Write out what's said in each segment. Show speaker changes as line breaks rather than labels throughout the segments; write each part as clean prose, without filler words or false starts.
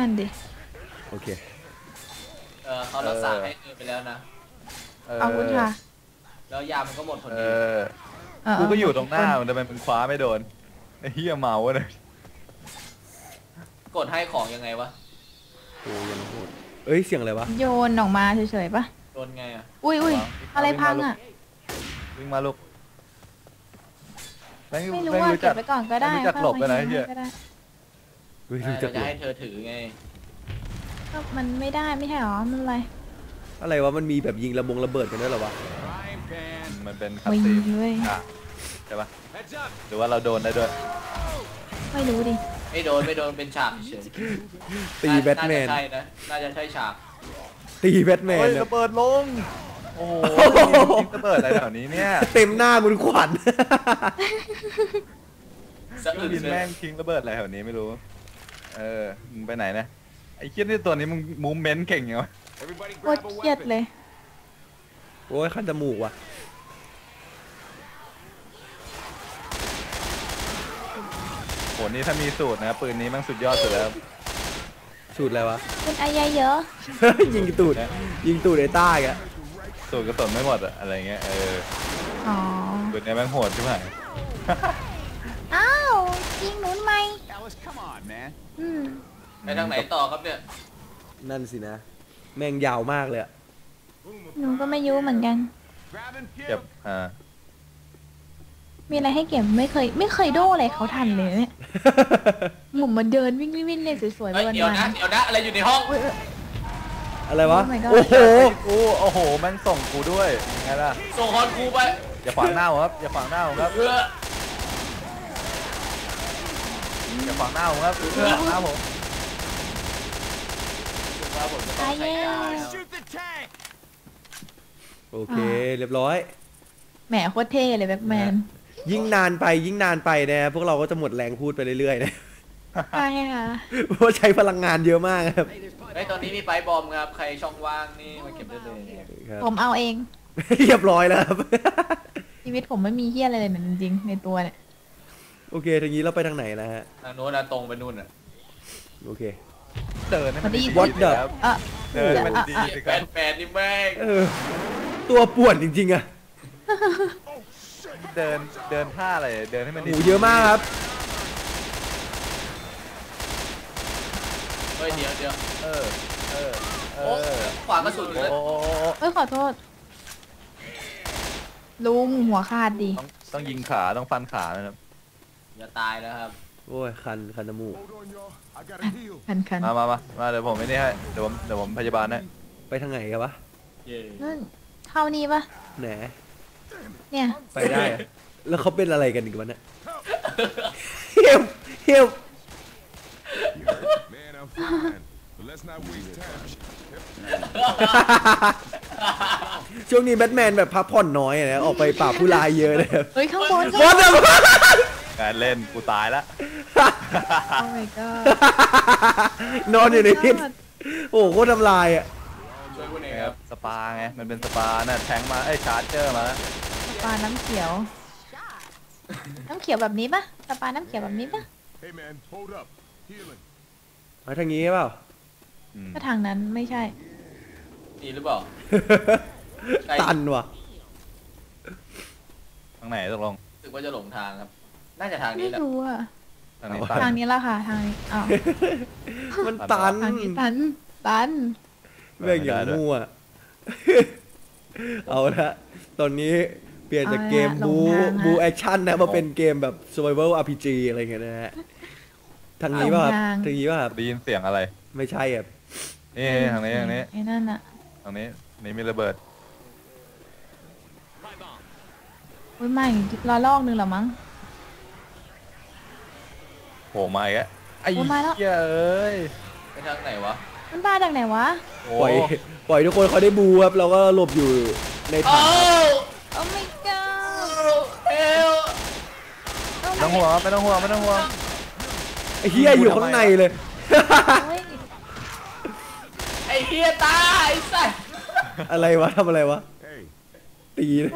นั่นดิ
โอเค
เขารักษาให้ไปแล้วนะ
เอาคุณค่ะ
แล้วยามันก็หมดพอดี
กูก็อยู่ตรงหน้ามันทำไมมันคว้าไม่โดนไอ้เหี้ยเมาเลย
กดให้ของยังไงวะ
โอ้ยังโหดเอ้ยเสียงอะไรวะ
โยนออกมาเฉยๆปะ
โดนไงอ่ะ
อุ้ยอะไรพังอ่ะ
วิ่งมาลูก
ไม่รู้ว่าเก็บไปก่อนก็ได้
รู้จักหลบไปไหนเหี้ย
เราจะให้เธอถือไง
ก็มันไม่ได้ไม่ใช่หรอมัน
อะไรวะมันมีแบบยิงระเบิดกันด้วยหรอวะ
มันเป็นคัตซีนใช่ปะหรือว่าเราโดนได้ด้วย
ไม่รู้ดิ
ไม่โดนเป็นฉากเฉย
ตีแบทแมน
ใช่นะน่าจะใช่ฉาก
ตีแบทแมน
ระเบิดลงโอ้โหระเบิดอะไรแถวนี้เนี่ย
เต็มหน้าคุณขวัญ
บินแม่งทิ้งระเบิดอะไรแถวนี้ไม่รู้มึงไปไหนนะไอ้เคียนี่ตัวนี้มึงมูฟเมนต์เก่งยังวะ
โคตรเครียดเลย
โอ้ยคันจมูกว่ะ
โหนี่ถ้ามีสูตรนะปืนนี้มันสุดยอดสุดแล้ว
สูตรอะไรวะ
เป็นอายาเยอะ
ยิงตูดไอ้ต้าแก
สูตรกระสุนไม่หมดอะไรเงี้ย
อ๋อ
ปืนนี้แม่งโหดใช่ไหม
อ้าวยิงหนุนไหม
ไปทางไหนต่อครับเนี่ย
นั่นสินะแม่งยาวมากเลย
หนูก็ไม่รู้เหมือนกัน
เก็บ
มีอะไรให้เก็บไม่เคยโดอะไรเขาทันเลยเนี่ยหมุนมาเดินวิ่งเนี่ยสวยๆ
เดี๋ยวนะอะไรอยู่ในห้อง
อะไรวะโอ้
โหแม่งส่งกูด้วยไงล่ะ
ส่งฮอนกูไป
อย่าขวางหน้าครับอย่าขวางหน้าครับอย่าขวางหน้าผมครับหน้าผม
ตายแล้ว
โอเคเรียบร้อย
แหมโคตรเท่เลยแบ็คแมน
ยิ่งนานไปนะพวกเราก็จะหมดแรงพูดไปเรื่อยๆนะ
ใช่ค่ะ
เพราะใช้พลังงานเยอะมากครับ
ตอนนี้มีไฟบอมครับใครช่องว่างนี่มาเก็บได้เลย
ผมเอาเอง
เรียบร้อยแล้วครับ
ชีวิตผมไม่มีเฮี้ยอะไรเลยจริงๆในตัวเนี่ย
โอเคทางนี้เราไปทางไหนนะฮะ
ทางโน้นนะตรงไปนู่นอ่ะ
โอเค
เดินมันดี
วัดเดิน
เดินมันดี
แฟนนี่แม่ง
ตัวป่วนจริงๆอะ
เดินท่าอะไรเดินให้มันดี
เยอะมากครับ
เฮ้ยเดี๋ยวขวางกระสุนเลย
ขอโทษลุงหัวขาดดิ
ต้องยิงขาต้องฟันขานะครับ
อย่าตายแล้วครับ
โอ้ยคันจมูก
คัน
มาเดี๋ยวผมไม่ได้ให้เดี๋ยวผมพยาบาลให้
ไปทางไหนกันวะ
นั่นเท่านี้ปะ
ไหน
เนี่ย
ไปได้แล้วเขาเป็นอะไรกันอีกวันเนี่ยเฮียช่วงนี้แบทแมนแบบพักผ่อนน้อยนะออกไปป่าผู้ลายเยอะเลย
เฮ้ยข้างบน
การเล่นกูตายแล้ว
โอ้ my god
นอนอยู่ในพิษโอ้โหโคตรทำลายอ่ะ
ช่วยกูหน่อยครับ
สปาไงมันเป็นสปาน่ะแทงมาชาร์เจอร์มาแล้ว
สปาน้ำเขียวแบบนี้ปะสปาน้ำเขียวแบบนี้ปะ
มาทางนี้เปล่า
ก็ทางนั้นไม่ใช่
นี่หรือเปล่า
ตันว่ะ
ทางไหนตกลง
รู้สึกว่าจะหลงทางครับน่าจะทางนี้แหละ
ไม่รู้อะ
ทางนี้
แล้วค่ะทางนี้อ้าว
มันตัน
ทางนี้ตัน
แม่งอย่างมั่วเอาละตอนนี้เปลี่ยนจากเกมบูแอคชั่นนะมาเป็นเกมแบบ survival RPG อะไรเงี้ยนะฮะทางนี้ป่ะครับทางนี้ป่ะครับ
ได้ยินเสียงอะไร
ไม่ใช่อ่ะ
นี่ทางนี้
ไอ้นั่นอะ
ทางนี้มีระเบิด
อุ้ยไม่ลอกนึงหรอมั้ง
โผล่มาอีกแล้วไอ้เอ้ย
ไปทางไหนวะ
มันมาจากไหนวะ
ปล่อยทุกคนเขาได้บูครับเราก็หลบอยู่ในถัง
โอ้ my god
ไม่ต้องห่วงไม่ต้องห่วง
ไอ้เฮียอยู่ข้างในเลย
ไอ้เฮียตายสัส
อะไรวะทำอะไรวะตีเลย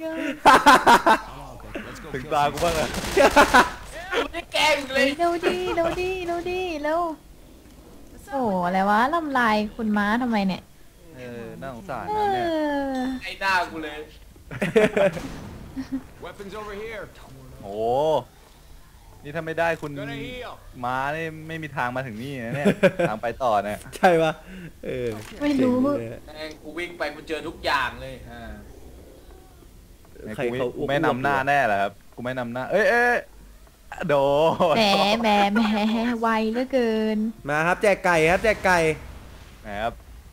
ถึงตากูบ้างอะ
ไม่ได้แกล้งเลย
เร็วดิเร็วโอ้อะไรวะลำลายคุณม้าทำไมเนี่ย
น่าสงสาร
เอ
นะเนี่ย
อ
ไอ้หน้ากูเลย
Weapons over here.
โอ้นี่ถ้าไม่ได้คุณ
Gonna heal.
ม้านี่ไม่มีทางมาถึงนี่นะเนี่ย ทางไปต่อเนี่ย
ใช่ปะเออ
ไม่รู้
เจ๋งเลยอะ
แม่งกูวิ่งไปกูเจอทุกอย่างเลย
ใคร
กู
เขา
ไม่นำหน้าแน่แหละครับ กูไม่นำหน้า เอ้ยโด
แหมแหมแหมไวเหลือเกิน
มาครับแจกไก่ครับแจกไก่
นะครับ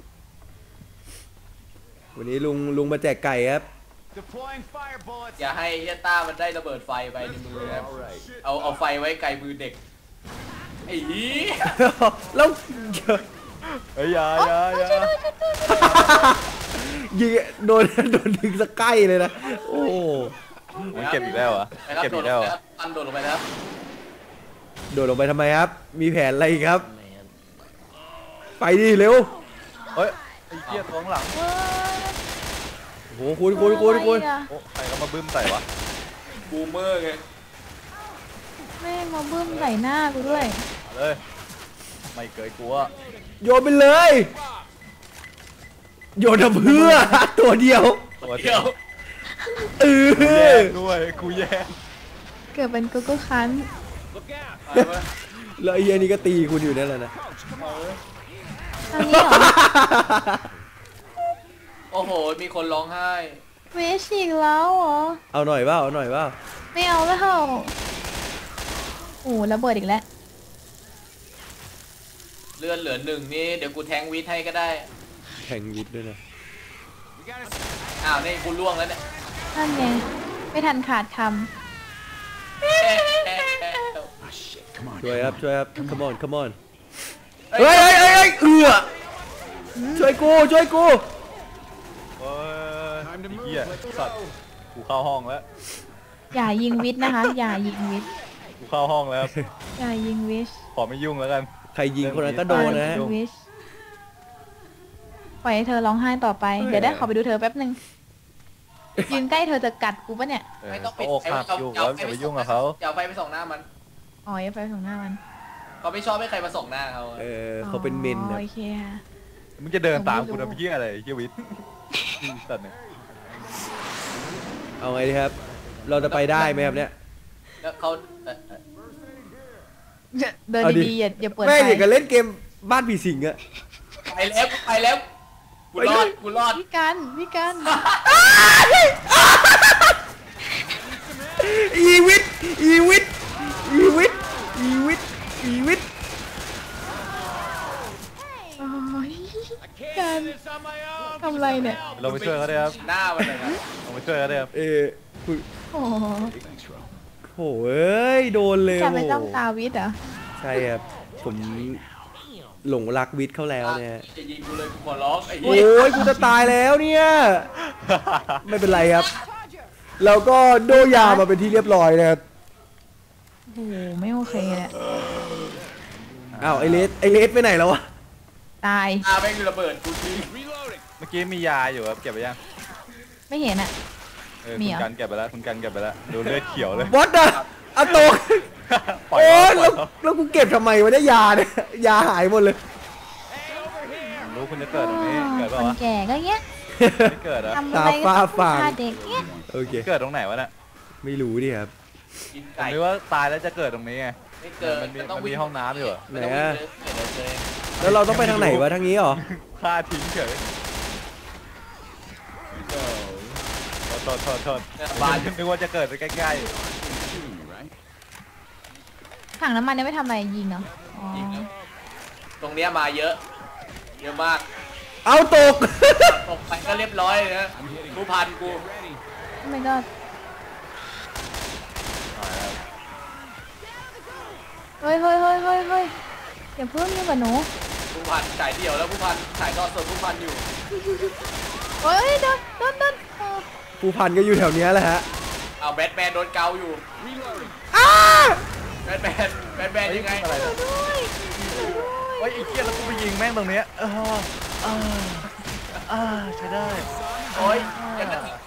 วันนี้ลุงมาแจกไก่ครับ
Deploying fire bullets.
อย่าให้เฮียต้ามันได้ระเบิดไฟไปในมือนะครับเอาไฟไว้ไกลมือเด็กไอ้หี
แล้ว
เอ้ยอย่า
ยิงโดนดึงสกใกล้เลยนะ โอ้โห
มันเก็บอีกแล้วเหรอ
ไปครับ
เก็บ
โด
อี
ด
ก
ล
แล้ว
ง
เห
ไป
รอ
ครับปันโดดลงไปนะครับ
โดดลงไปทำไมครับ มีแผนอะไรอีกครับ ไปดิเร็ว
เฮ้ยไอ้เหี้ยท้องหลัง
โอ้โหคุณ
อะไรอะ
โอ้ใครก็มาบึ้มใส่วะ
บูมเมอร์ไง
แม่งมาบึ้มใส่หน้ากูด้วย
มาเลย ไม่เคยกลัว
โยนไปเลย โยนทำเพื่อ ตัวเดียว
ตัว
เดี๋ยว
เอ
กูแย่
อ
งด้วยกูแย่ง
เกิดเป็นโกโก้คัน
Look out.
ไปเว้ย
แล้วไอ้เหี้ยนี่ก็ตีคุณอยู่นั่นแหละนะ
ทางนี้เหรอ
โอ้โหมีคนร้องไห้
เวชอีกแล้วเหรอ
เอาหน่อยเปล่าเอาหน่อยเปล่า
ไม่เอาแล้วโอ้ระเบิดอีกแล้ว
เลือดเหลือหนึ่งนี่เดี๋ยวกูแทงวิทให้ก็ได้
แข่งยิดด้วยนะ
We gotta.
อ้าวนี่กูล่วงแล้วเนี่ย
นั่นไงไม่ทันขาดค
Oh shit! Come on.
ช่วยครับช่วยครับ come on come on
เฮ้
เฮ้ยเอือช่วยกูช่วยกู
เอ้ย
Time to
ไอ้
move.
เหี้ย
Let's
สัตว์
go.
กูเข้าห้องแล้ว
ำอย่ายิงวิทย์นะคะ อย่ายิงวิทย์
กูเข้าห้องแล้ว
อย่ายิงวิทย์
ขอไม่ยุ่งแล้วกัน
ใครยิงคนนั้นก็โดนนะ
อย่ายิงวิทย์ปล่อยให้เธอร้องไห้ต่อไป เดี๋ยวได้ขอไปดูเธอแป๊บนึงยืนใกล้เธอจะกัดกูปะเนี่ย
ไม่ต้องปิด
เขาอกหักอยู่แล้วอย่าไปยุ่งกับเขา
อย่าเอาไฟไปส่องหน้ามัน
อ๋ออย่าไปของหน้ามัน
เขาไม่ชอบให้ใครมาส่องหน้าเขา
เออเขาเป็นเมน
อ๋อ
นะ
โอเคค่ะ
มึงจะเดินตามกู
ผมไม่รู้
ทำเหี้ยอะไรเหี้ยวิทย์สัตว์เนี่ย
เอาไงดีครับ เราจะไปได้ไหมครับเนี่ย
แล้วเขา
เดิน
เอาดิ
ดีๆอย่าเปิด
แม่
ไฟ
งอย่างกับเล่นเกมบ้านผีสิงอะ
ไปแล้วไปแล้วกูรอดกูรอด
พี่กันพี่กัน
อีวิทอีวิทอีวิทอีวิทอีวิท
โอ้ย
I can't
God.
do this on my own.
ทำอะไรเนี่ย
เราไปช่วยเขาได้ครับ
หน้ามันเลยครับ
เราไปช่วยเขาได้ครับ
คุณ
โอ้โห
Thanks, bro.
โหเอ้ยโดนเลย
จะ
โอ้
ไป
โห
จ้องตาวิทย์เหรอ
ใช่ครับผมหลงรักวิทย์เขาแล้วเนี่ย
จะยิงกูเลยกูขอร้องไอ้
โอ้
เหี้ย
ยกูจะตายแล้วเนี่ย ไม่เป็นไรครับ เราก็โดยามาเป็นที่เรียบร้อยนะครับ
โอ้โหไม่โอเคเลยอะ
อ้าวไอเลสไปไหนแล้ววะ
ตาย
ตาแม่งระเบิดกูทิ้ง
Reloading.
เมื่อกี้มียาอยู่ครับเก็บไปยัง
ไม่เห็นอ่ะ มี
คุณ
เหรอ
กันเก็บไปแล้วคุณกันเก็บไปแล้วดูเลือดเขียวเลย
วัดอะอะโตก
ปล่อย
โอ้ย
เขาปล่
แล้
อยว เขา
แล้วกูเก็บทำไมวะเนี่ยยาเนี่ยยาหายหมดเลย
รู้คุณจะเกิดตรงนี้เกิด
ค
เปล่าน วะ
แก่ก็เงี้ย
ไม่เกิดเหรอะ
ทำอะไรก็
ตา
ต้อง
ฟ้า
พาเด็กเงี้ย
โอเค
เกิดตรงไหนวะน่ะ
ไม่รู้ดิครับ
กิน
ผม
ไก่
นึกว่าตายแล้วจะเกิดตรงนี้ไง
ไม่เกิด
มันมี
ต้อง
มัน
วิ่
มีห้องน้ำอยู่เหรอ
ไม่ต้องวิ่งเลยเดี๋ยวเจอ
แล้วเราต้องไปทางไหนวะทางนี้เหรอ
ฆ่าทิ้งเฉยโทษ
บ้าน
นึกว่าจะเกิดไปใกล้
Shooting me, right?
ถังน้ำมันเนี่ยไม่ทำอะไรยิงเหรออ๋อ
ตรงเนี้ยมาเยอะ เยอะมาก
เอาตก
ตกไปก็เรียบร้อยเลยนะกูพันกู
Ready.
ทำไมก็เฮ้ยอย่าเพิ่งยุ่งกับหนู
ผู้พันฉายเดี่ยวแล้วผู้พันฉายทอดสดผู้พันอยู่
เฮ้ยโดนเออ
ผู้พันก็อยู่แถวเนี้ยแหละฮะ
เอาแบทแมนโดนเกาอยู่
Reloading.
แบทแมนยังไง
ๆอะไรนะ
ด้วย
เฮ้ยไอ้เกียแล้วกูไปยิงแม่งตรงเนี้ยใช้ได้
โอ้ยยังกระติก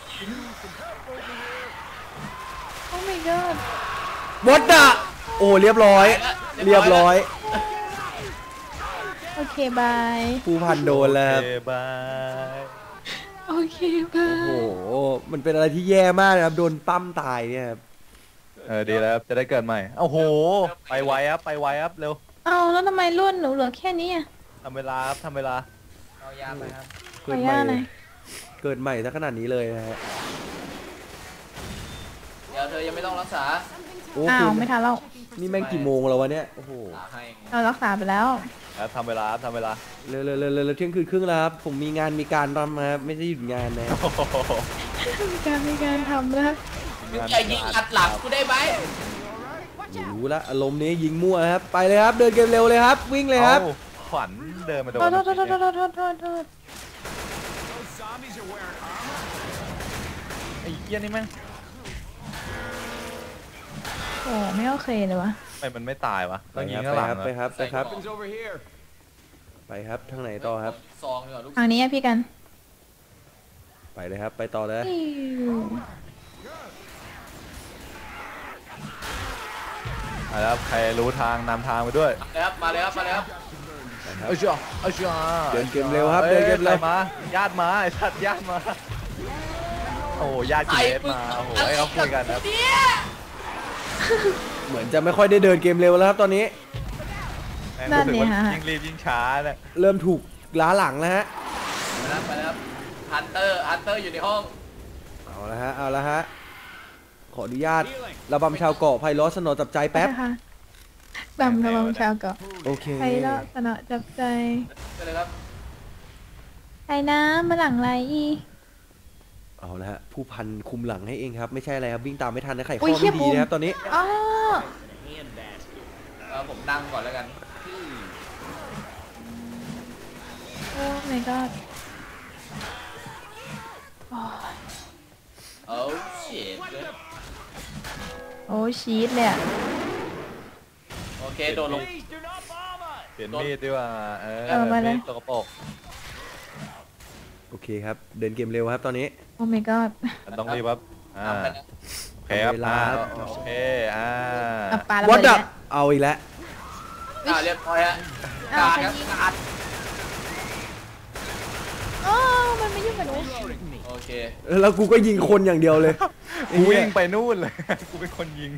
โอ้ my god
วัดอะโอ้เรียบร้อย เรียบร้อย
โอเคเคบาย
ผู้พันโดนแล้วครับ
โอเคบาย
โอเคบา
โอ้
ย
โหมันเป็นอะไรที่แย่มากนะครับโดนปั้มตายเนี่ยครับ
ดีแล้วครับจะได้เกิดใหม่โอ้โหไปไวครับไปไวครับเร็ว
เอาแล้วทำไมรุ่นหนูเหลือแค่นี้อ่ะ
ทำเวลาครับทำเวลา
เอายาไปครับ
ขออนุญาตหน่อย
เกิดใหม่ซะขนาดนี้เลยนะฮะ
เดี๋ยวเธอยังไม่ต้องรักษา
โอ้
อ้า
คื
ว
อ
ไม่ทันแล้ว
นี่แม่งกี่โมงแล้ววะเนี่ยโอ้โห
หาให้
เรารักษาไปแล้ว
แล้วทำเวลาครับทำเวลา
เร็วเที่ยงคืนครึ่งแล้วครับผมมีงานมีการทำนะครับไม่ได้หยุดงานนะ
โอ้โห
มีการทำแล้ว
มึงอย่ายิงอัดหลังกูได้ไหม
รู้ละอารมณ์นี้ยิงมั่วครับไปเลยครับเดินเกมเร็วเลยครับวิ่งเลยครับ
อาขวัญเดินมาโดน
โทษ
Those zombies are wearing armor.
ไอ้เหี้ยนี่แม่ง
โอ้ไม่โอเคเลยวะ
ทำไมมันไม่ตายวะ
ไป
ต้องยิ
ค
ง
รับ
ข้างหลัง
ไปครับ
Weapons over here.
ไปครับทางไหนต่อครับ
ซองดีกว่าลูก
ทางนี้อะพี่กัน
ไปเลยครับไปต่อเลย
อิ๊ว
ครับใครรู้ทางนำทางไปด้วย
มาเลยครับมาเลยครับ
เอ้ยจ้าเอ้ยจ้า
เดินเกมเร็วครับเดินเกมเร็ว
ใครมาญาติมาไอ้สัตว์ญาติมาโอ้ญาติกิเลสมาโอ้โหให้เขาคุยกันครับ
เหมือนจะไม่ค่อยได้เดินเกมเร็วแล้วครับตอนนี้
แม่งรู้สึกว่ายิ่งรีบยิ่งช้าเนี่ย
เริ่มถูกล้าหลังแล้วฮะ
ไปแล้วครับฮันเตอร์อยู่ในห้อง
เอาละฮะขออนุญาตระบำชาวเกาะไพเราะสนอจับใจแป๊บ
นะคะดำระวังชาวเกาะ
โอเค
ใครละสนอจับใจ
ไปเลยครับ
ใครนะมาหลังไรอี
เอาละฮะผู้พันคุมหลังให้เองครับไม่ใช่อะไรครับวิ่งตามไม่ทันนะไข่ข้
อุ๊
อย
เหี้
ไม่
ย
ดี
บูม
นะครับตอนนี้
อ๋อ
ผมนั่งก่อนแล้วกัน
โอ้ my god
โอ้ชิต
โอ้ชีสเลยอะ
โอเคโดนลง
Please do not bomb us.
เปลี่ยนมีดดีกว่ามีดตกกระปก
โอเคครับเดินเกมเร็วครับตอนนี้
โอ้ my god
มันต้องรีบครับ
ทำไปนะ
โอเคครับ
เวลา
โอเคอ่า
อ่ะปลาระ
วั
เบิ
ด
ด
ดั
แล้ว
เอาอีกแล้ว
เรียบร้อยฮะ
อ้าว
กา
ใคร
ครับ
ยิง
อัด
อ๋อมันไม่ยุ่งกับหนู
โอเค
แล้วกูก็ยิงคนอย่างเดียวเลย
กูวิ่งไปนู่นเลย กูเป็นคนยิง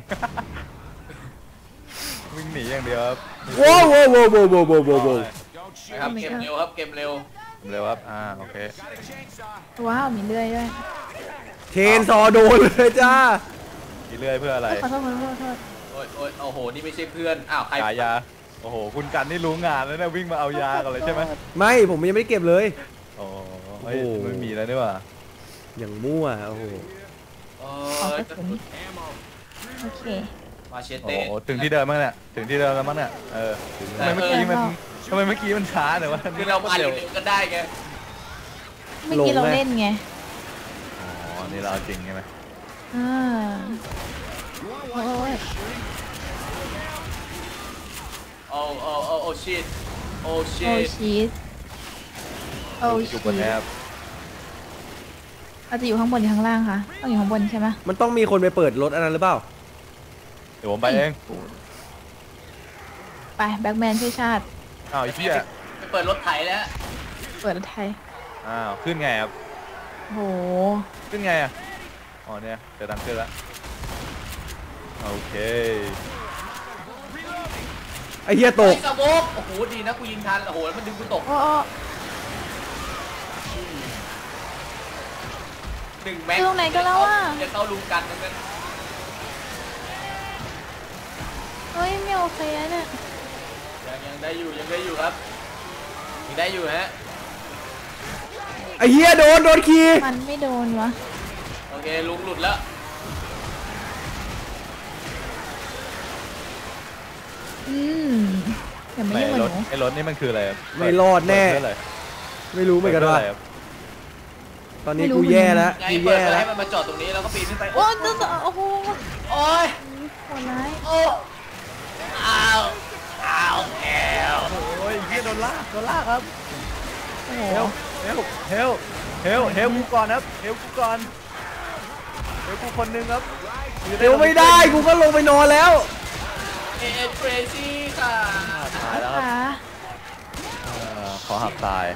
วิ่งหนีอย่างเดียวครับ
ว้าวว้าวว้าวว้าวว้าวว้าวว้าว
Don't
นะ
shoot.
ครับเกมเร็วครับเกมเร็ว
เร็วครับโอเค
Got a chainsaw.
ว้าว มีเลื่อยด้วย
เทนซอโดนเลยจ้า
กี่เลื่อยเพื่ออะไร
ขอโทษขอโทษขอโทษ
โอ้ยโอ้โหนี่ไม่ใช่เพื่อนอ้าวใคร
ขายยาโอ้โหคุณกันนี่รู้งานแล้วเนี่ยวิ่งมาเอายากันเลยใช่ไหม
ไม่ผมยังไม่ได้เก็บเลย
โอ้ยไม่มีแล้วนี่หว่า
อย่างมั่วโอ้โห
เอ
ขอ
อก
ระสุน
Ammo.
โอเค
มาเช
โอ้
เต้
โหถึงที่เดิมมั้งเนี่ยถึงที่เดิมแล้วมั้งเนี่ยทำไมเมื่อกี้มันช้าเนี่ยวะ
คือเรามาเร็วๆก็ได้ไง
เมื่อกี้เราเล่นไง
อ๋อนี่เราจริงใช่ไหม
อ่าโอ้ย
โอ้ชิตโอ้ชิ
โอ้
ต
ชีสโอ้
อ
ชี
ยู่
ส
บนแอป
เราจะอยู่ข้างบนหรือข้างล่างคะต้องอยู่ข้างบนใช่ไหม
มันต้องมีคนไปเปิดรถอันนั้นหรือเปล่า
เดี๋ยวผมไปเอง
ไปแบ็กแมนช่วยชาติ
อ้าวไอ้เหี้ย
ไปเปิดรถไถแล้ว
เปิดรถไทย
อ้าวขึ้นไงครับ
โห
ขึ้นไงอ่ะอ๋อเนี่ยเจอทางขึ้นแล้วโอเค
ไอ้เหี้ยต
ไอ้
ก
สโมกโอ้โหดีนะกูยิงทันโอ้โหแล้วมันดึงกูตก
โอ้โอ้
หนึ่งแม็ก
อยู่ตรงไหนกันแล้วอะ
จะเข้าลุมกันทั้งนั้น
เฮ้ยไม่โอเคอะเนี่ย
ยังได้อยู่ยังได้อยู่ครับยังได้อยู่ฮะ
ไอ้เหี้ยโดนขี่
มันไม่โดนวะ
โอเคลุงหลุดแล้ว
อืมอย่ามายุ่งกับหนู
ไอ้รถนี่มันคืออะไรครับ
ไม่รอดแน่
เปิดเพื่ออะไร
ไม่รู้เหมือนกันว่า
ปิดพื่ะไรครับ
ตอนนี้กูแย่แล้ว
ไง
กู
เปิด
แย่
เพื่อ
แล้ว
ให้มันมาจอดตรงนี้แล้วก็ปีนขึ้นไป
โอ้โอ้โห
โอ้ย
โหดร้าย
โอ้อ้าวอ้าวแอล
โอ้ยเหี้ยโดนลากครับ
โอ้โห
เฮลกูก่อนครับเฮลกูก่อนเฮลกูคนนึงครับ
เดี๋ยวไม่ได้กูก็ลงไปนอนแล้ว
เอเทรซี่ค่ะ
ตายแล้วครับ
ขา
ขอหักตาย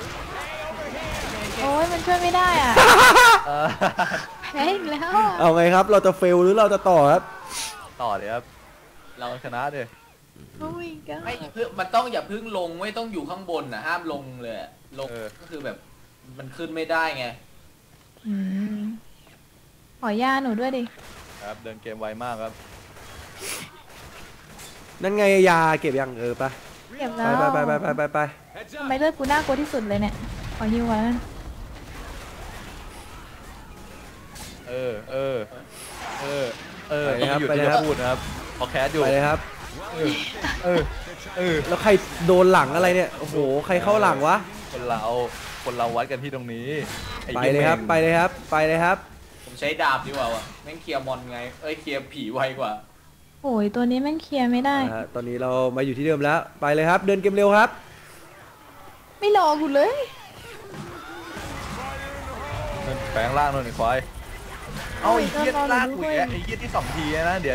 โอ้ยมันช่วยไม่ได้อ่ะ
เออ
แพ้อีกแล้วอะ
เอาไงครับ เราจะเฟลหรือเราจะต่อครับ
ต่อเลยครับ
เรา
เราชนะดิ
โอ้ยก็
ไม่เพื่อมันต้องอย่าเพึ่งลงไม่ต้องอยู่ข้างบนนะห้ามลงเลยอะลงก็คือแบบมันขึ้นไม่ได้ไง
อืมขอยาหนูด้วยดิ
ครับเดินเกมไวมากครับ
นั่นไงยาเก็บยังไป
เก็บ
ไป
แล้ว
ไป
Heads
ทำไม
up.
เลือดกูน่ากลัวที่สุดเลยเนี่ย ขอฮิวไว้นั่น
เออต้องหยุดที่จะพูดนะครับพอแคสอยู่
ไปเลยครับ
เออ
แล้วใครโดนหลังอะไรเนี่ยโอ้โหใครเข้าหลังวะ
คนเราวัดกันที่ตรงนี้อ้
ไป
หี้
เลยครับ
แม่ง
ไปเลยครับไปเลยครับ
ผมใช้ดาบดีกว่าวะแม่งเคลียร์มอนไงเคลียร์ผีไวกว่า
โอ้ยตัวนี้แม่งเคลียร์ไม่ได้
ตอนนี้เรามาอยู่ที่เดิมแล้วไปเลยครับ เดินเกมเร็วครับ
ไม่รอกูเลย
แปลงร่างหน่อยควายเอาไอ้เหี้ยลากกูอีกแล้วไอ้เหี้ยที่2 ทีนะเดี๋ยว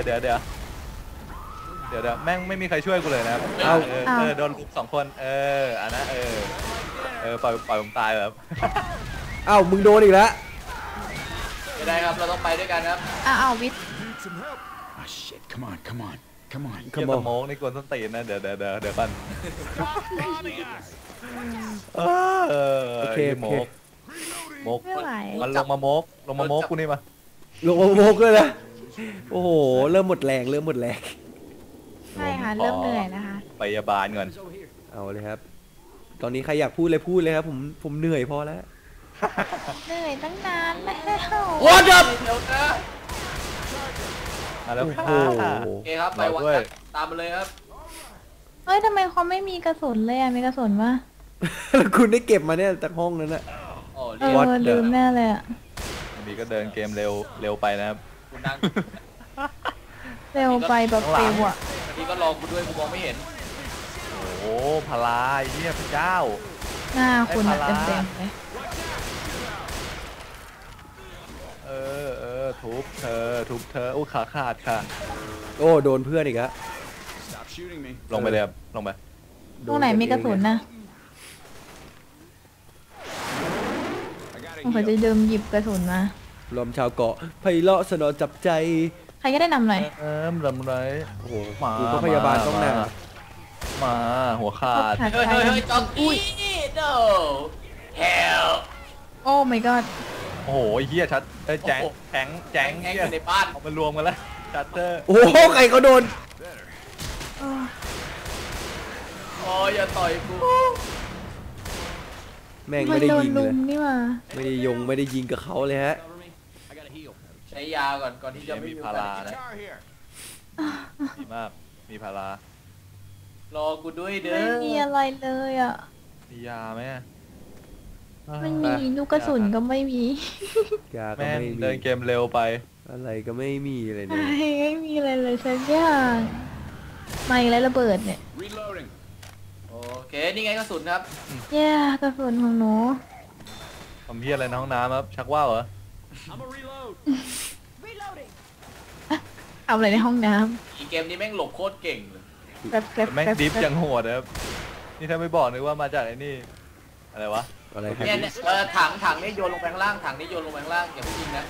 แม่งไม่มีใครช่วยกูเลยนะครับโดนลุก2 คนอันนั้นปล่อยผมตายแบบ
เอ้ามึงโดนอีกแล้ว
ไม่ได้ครับเราต้องไปด้วยกันครับ
เอาวิทย์
Need some help. Ah, shit. Come on. Come on. Come on.
เกียร์สโมกนี่กวนส้นตีนนะเดี๋ยวกัน
Bombing us.
โอเค
โมก
ไม่ไหว
มันลงมาโมกกูนี่มา
ลงโมกเลยนะโอ้โหเริ่มหมดแรง
ใช่ค่ะ เริ่มเหนื่อยนะคะ
พยาบาลก่อน
เอาเลยครับ ตอนนี้ใครอยากพูดเลยครับผมเหนื่อยพอแล้ว
เหนื่อยตั้งนานแล้ว
What up
เดี๋ยวนะ
มาแล้ว
โอ้
ค่ะ
โห
โอเคครับไปวัด
ด้วย
กันตามมาเลยครับ
เฮ้ยทำไมเขาไม่มีกระสุนเลยอ่ะ มีกระสุนวะ
แล้วคุณได้เก็บมาเนี่ยจากห้องนั้นนะ
อ๋อ
เอ
เรียก
What
อ
the-
ลืมแน่เลยอ่ะ
ดีก็เดินเกมเร็วไปนะครับ
คุณนั่ง
เร็วไปแบบเร็วอ่ะ
อันนี้ก็รอคุณด้วยกูมองไม่เห็น
โอ้โหพลาไอ้เหี้ยพระเจ้า
หน้าคุณอะ
ไอ้พารา
เต็มๆเลย
ทุบเธอโอ้ขาขาดค่ะ
โอ้โดนเพื่อนอีกแล้ว
Stop shooting me.
ลงไปเลยครับลงไป
ตรงไหนมีกระสุนนะ
I gotta
ผมขอจะ
heal.
เดิมหยิบกระสุนมา
รวมชาวเกาะไพเราะสนอจับใจ
ใครก็ได้นำหน่อย
ลำไร
โอ้โห
มา
กูก็พยาบาลต้องหนา
มาหัวขาด
ขาด
เฮ้ย
ใจ
เฮ้ยเฮ้ยจอกอี้ no hell
โอ้ my god
โอ้โหไอ้เหี้ยชัดแจ้ง
โอ้โห
แจ้ง
แก๊งอยู่ในบ้าน
เอามารวมกันแล้วชัตเตอร์
โอ้โหใครเขาโดน
เออ
โอ้ยอย่าต่อยกู
แม่ง
มั
ไม่
น
ได้
โดน
ยิงเล
ลุ
ย
มนี่มา
ไม่ได้ยิงกับเขาเลยฮะ
Cover me. I gotta heal.
ใช้ยาก่อนที่จะไม่
มี
มี
พารานะ
Guitar here.
ดีมากมีพาราร
อกูด้วยเด้อ
ไม่มีอะไรเลยอ่ะ
มียาไหม
ไม่มีลูกกระสุนก็ไม่มี
ยาก็
แม่ง
ไม่มี
เดินเกมเร็วไป
อะไรก็ไม่มีเลยเนี่ย
ไม่มีอะไรเลยสักอย่างมาอีกแล้วระเบิดเนี่ย
Reloading.
โอเคนี่ไงกระสุนครับ
แย่กระสุนของหนู
ทำเพี้ยอะไรในห้องน้ำครับชักว่าวเหรอ
I'm a reload.
เอาอะไรในห้องน้
อีเกมนี้แม่งหลบโคตรเก่งเลย
ำแป๊บแป๊บ
แม่ง
แป๊บ
ดิฟยังโหดนะครับนี่ถ้าไม่บอกนึกว่ามาจากไอ้นี่อะไรวะ
อะไรครับ
เนี่ยถังนี่โยนลงไปข้างล่างถังนี่โยนลงไปข้างล่างอย่าเพิ่งยิงนะ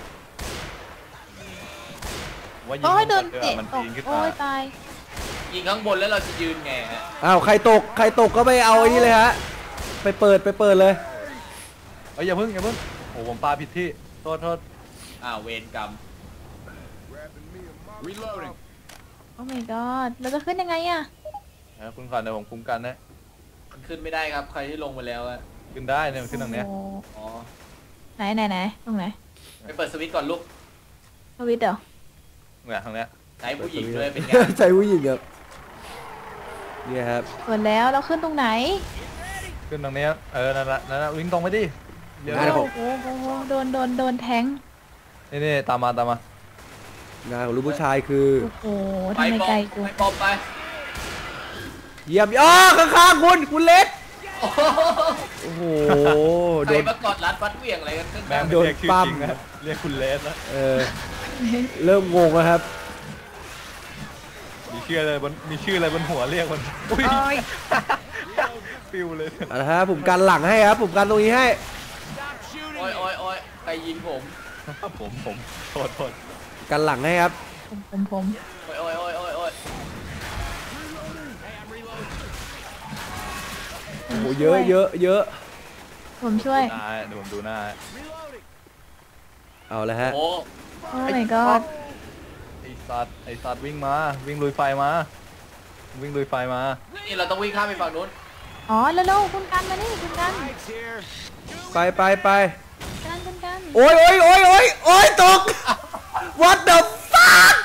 ว่ายิง
โอ้ยโดน
เตะ
เตะ
มัน
ตก
ปีนขึ้น
โอ้
มาย
ตาย
ยิงข้างบนแล้วเราจะยืนไงฮะ
อ้าวใครตกก็ไปเอาไอ้นี่เลยฮะไปเปิดเลย
เอ้ยอย่าเพิ่งโอ้ผมปาผิดที่โทษ
เวรกรรม
Reloading.
โอ้ my god เราจะขึ้นยังไงอะ
นะคุณก่อนเดี๋ยวผมคุ้มกันนะ
มันขึ้นไม่ได้ครับใครที่ลงไปแล้วอะ
ขึ้นได้เนี่ยมันขึ้นตรงเนี้ย
โอ้
อ๋อ
ไหนตรงไหน
ไปเปิดสวิตช์ก่อนลูก
สวิตช์เหรอ
เนี่ยทางเนี้ย
ใช้ผู้หญิงด้วยเป็นไง
ใจผู้หญิงครับเนี่ยครับ
เปิดแล้วเราขึ้นตรงไหน
ขึ้นตรงเนี้ยนั่นละวิ่งตรงไปดิเดี๋ยว
ได้ครับ
โอ้โหโดนแทง
นี่ตามมาง
านของลูกผู้ชายคือ
โอ้โห
ไป
ทำไม
ปอ
ไกล
ม
กู
ไปปอมไป
เยี่ยมข้างๆคุณเล็ก
โอ้โห
โอ้โห
ใค
โด
ร
น
มากอดรัดฟัดเหวี่ยงอะไรกันขึ้น
แม่ง
มา
ไม่
โดน
เรียกชื่อ
ปั้ม
จริงนะเรียกคุณเลสนะ
เริ่มงงแล้วครับ
มีชื่ออะไรบนหัวเรียกมันอุ้ย
โอ้ย
เปิวเลย
เอาละฮะผมกันหลังให้ครับผมกันตรงนี้ให้
Stop shooting
โอ้ย
me.
โอ้ยโอ้ยใครยิงผม
ผมโทษ
กันหลังให้ครับ
ผม
โอ้ยโอ้ยโอ้ยโอ้ยโอ้ย
Hey, I'm reloading.
โอ้โหเยอะเยอะเยอะ
ผมช่วย
หน้าเดี๋ยวผมดูหน้า
Reloading.
เอาละฮะ
โอ้
โอ้ my god
ไอสัตว์วิ่งมาวิ่งลุยไฟมาวิ่งลุยไฟมา
นี่เราต้องวิ่งข้ามไปฝั่งนู้น
อ๋อแล้วคุณกันมานี่คุณกัน
Lights here.
ไปไปไป
คุณกัน
โอ้ยโอ้ยโอ้ยโอ้ยโอ้ยตก what the fuck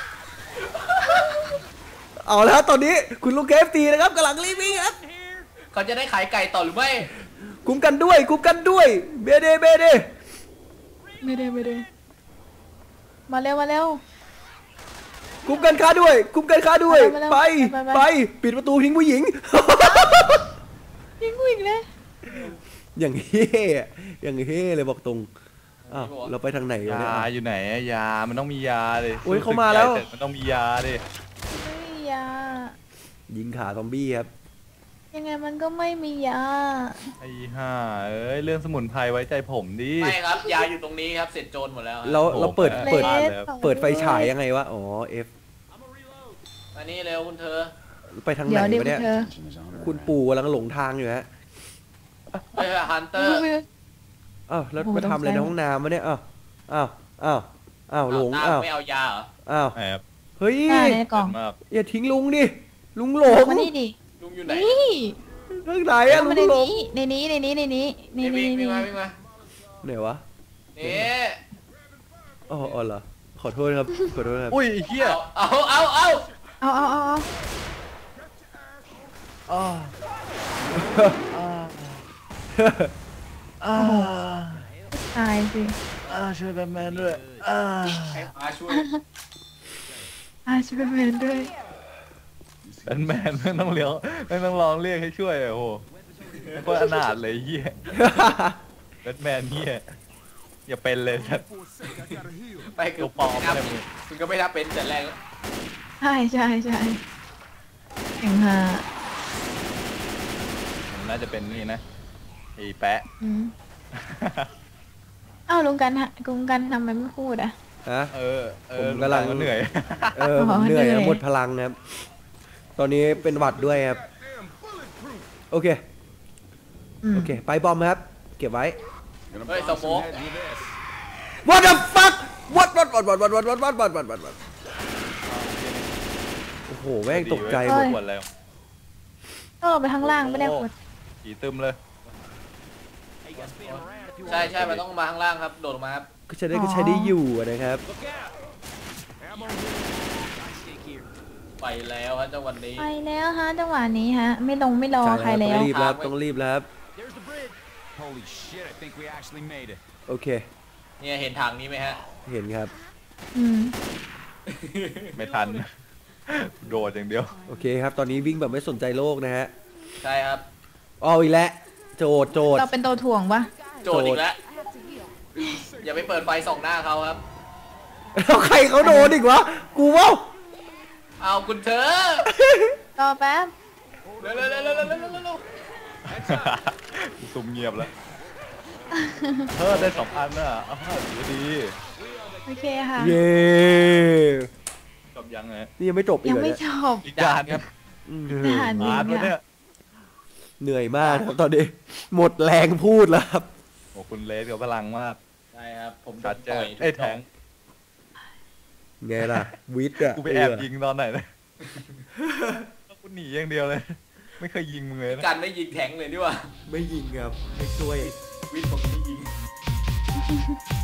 เอาแล้วตอนนี้คุณลูกเกฟตีนะครับกำลังรีบวิ่งครับ
เขาจะได้ขายไก่ต่อหรือไม่
คุ้มกันด้วยคุ้มกันด้วยเบเดเบเด
ไม่ได้มาเร็ว
คุ้มกันค่าด้วยคุ้มกันค่าด้วย
มาแล้ว
ไป
ไป
ไปปิดประตูทิ้งผู้หญิง
ยิงกูอีกเลย
อย่างเฮ่อย่างเฮ่เลยบอกตรงอ้าวเราไปทางไหนวะเนี่ย
ยาอยู่ไหนอะยามันต้องมียาดิ
โอ้ยเขามาแล้ว
รู้สึกใหญ่เสร็จมันต้องมียาดิ
ไม่มียา
ยิงขาซอมบี้ครับ
ยังไงมันก็ไม่มียา
ไอ้ห่าเอ้ยเรื่องสมุนไพรไว้ใจผมดิ
ไม่ครับ ยาอยู่ตรงนี้ครับ เสร็จโจรหมดแล้วครับ
เราเปิด
โอ้โห
เปิด
บ้านเลยครับ
เปิดไฟฉายยังไงวะอ๋อ F
มานี่เร็วคุณเธอ
ไปทางไห
เดี๋
น
ยวเดี๋ยว
วะเนี่ย
เธอ
คุณปู่กำลังหลงทางอยู่ฮะ
เฮ้ยฮันเตอร์
อ้าวแล้ว
โอ้โห
มาทำอะไรใน
ต้องใช้
ห้องน้ำวะเนี่ยอ้าวอ้าวหลงอ้าว
ไม่เอายาเหรอ
อ้าว
แอบ
เฮ้ย
ได้ในกล่อง
มาก
อย่าทิ้งลุงดิลุงหลง
มานี่ดิ
ลุงอยู่ไหน
นี่
ทางไหนอะ
เอา
ลุ
มาง ใน
หลง
นี้ในนี้
นี่วิ่ง
นี่
มาวิ่งมา
ไหนวะ
นี่
อ๋อเหรอขอโทษครับขอโทษครับ
อุ้ยไอ้เหี้ย
เอา
เอา
อ้า
ตายสิ
ช่วยแบทแมนด้วย
ให้พาช่วย
ช่วยแมนด้วย
แบทแมนไม่ต้องเลี้ยวไม่ต้องร้องเรียกให้ช่วยอะโอ้โหโคตรอนาถเลยไอ้เหี้ยแบทแมนเหี้ยอย่าเป็นเลยสัตว์
ไปเกื
ตั
อ
ว
บ
ปลอม
นับ
เลยมึง
คุณก็ไม่นับเป็นแต่แรกแล้ว
ใช่อย่างฮา
มันน่าจะเป็นนี่นะไอ้แปะ
อ้าวลุงกันทำไมไม่พูดอ่ะ
ฮะ ผมกำลัง
มันเหนื่อย
ผมเหนื่อย
เหนื่อย
หมดพลังนะครับ ตอนนี้เป็นหวัดด้วยครับ โอเค โอเค ไปบอมครับ เก็บไว้
Gonna
Hey,
bomb
some
some
more.
heads with this.
What the fuck What โอ้โห แม่งตกใจหมด
ปวดแล้ว
ก็ลงไปข้างล่างไม่ได้กด
ผีตึมเลย
Hey, you gotta spin around if you
ใช่
want.
ใช่มันต้องมาข้างล่างครับ โดดลงมาครับ
ก็ใช้ได้อยู่นะครับ
Look out. Ammo here. Nice stick here.
ไปแล้วฮะจังหวันนี้
ไปแล้วฮะจังหวะนี้ฮะไม่รอใคร
ต้
แล้
อง
ว
รีบแล้วต้องรีบแล้วครับ
There's the bridge. Holy shit, I think we actually made it.
โอเค
เนี่ยเห็นถังนี้ไหมฮะ
เห็นครับ
ไม่ทัน โดดอย่างเดียว
โอเคครับ ตอนนี้วิ่งแบบไม่สนใจโลกนะฮะ
ใช่ครับ
เอาอีกแล้ว โจด
เราเป็นตัวถ่วงปะ
โจทย์อีกแล้ว อย่าไปเปิดไฟส่องหน้าเขาครับ
แล้วใครเขาโดนอีกวะ กูว่า
เอาคุณเธอ
รอแป๊บ
เร็วเร็วเร็วเร็วเร็วเร็วเร็ว
ซุ่มเงียบแล้วได้2 อันน่ะอ้าวดี
โอเคค่ะ
เย้
จบยังไง
นี่ยังไม่จบอี
ยั
ก
ง
เหรอ
ไม่
เนี่ย
จบ
อีกด่านครับ
ด่านหนึ่ง
วะเนี่ย
เหนื่อยมากครับตอนนี้ หมดแรงพูดแล้วครับ
โอ้คุณเลสกับพลังมาก
ใช่ครับ ผม
ชัดเจ
ต่
น
อย
ไอ้แทง
ไงล่ะ วิทย์อะ
กูไปแอบยิงตอนไหนเลยกูหนีอย่างเดียวเลย ไม่เคยยิงมึงเลยนะ
กันไม่ยิงแทงเลยดีกว่า
ไม่ยิงครับไม่ช่วย
วิทย์ผมไม่ยิง